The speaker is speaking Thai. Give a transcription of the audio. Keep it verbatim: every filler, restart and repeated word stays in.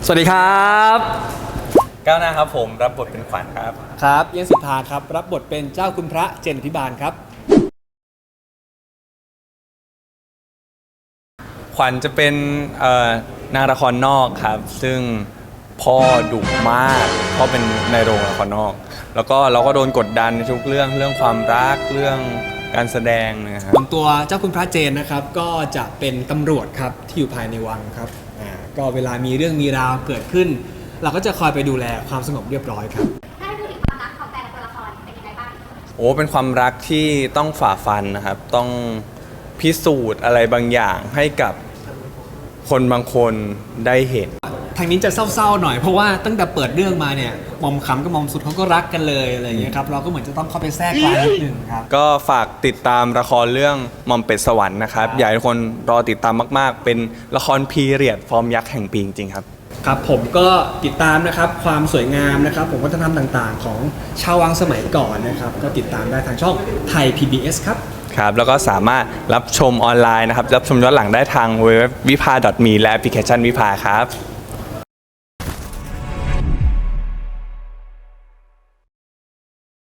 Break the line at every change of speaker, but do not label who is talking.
สวัสดีครับ
ก้าวหน้าครับผมรับบทเป็นขวัญครับ
ครับเอี้ยนสิทธาครับรับบทเป็นเจ้าคุณพระเจนพิบาลครับ
ขวัญจะเป็นนางละครนอกครับซึ่งพ่อดุมากพ่อเป็นในโรงละครนอกแล้วก็เราก็โดนกดดันในทุกเรื่องเรื่องความรักเรื่องการแสดงนะครับ
ส่วนตัวเจ้าคุณพระเจนนะครับก็จะเป็นตำรวจครับที่อยู่ภายในวังครับอ่าก็เวลามีเรื่องมีราวเกิดขึ้นเราก็จะคอยไปดูแลความสงบเรียบร้อยครับ
ถ้าให้พูดถึงความรักของแต่ละตัวละครเป็นยังไงบ้าง
โอ้เป็นความรักที่ต้องฝ่าฟันนะครับต้องพิสูจน์อะไรบางอย่างให้กับคนบางคนได้เห็น
ทางนี้จะเศร้าๆหน่อยเพราะว่าตั้งแต่เปิดเรื่องมาเนี่ยมอมขำกับมอมสุดเขาก็รักกันเลยอะไรอย่างเงี้ยครับเราก็เหมือนจะต้องเข้าไปแทรกกลางนิดนึงครับ
ก็ฝากติดตามละครเรื่องหม่อมเป็ดสวรรค์นะครับอยากให้ทุกคนรอติดตามมากๆเป็นละครพีเรียดฟอร์มยักษ์แห่งปีจริงๆครับ
ครับผมก็ติดตามนะครับความสวยงามนะครับผมวัฒนธรรมต่างๆของชาววังสมัยก่อนนะครับก็ติดตามได้ทางช่องไทย พี บี เอส ครับ
ครับแล้วก็สามารถรับชมออนไลน์นะครับรับชมย้อนหลังได้ทางเว็บวิภา .me และแอปพลิเคชันวิภาครับ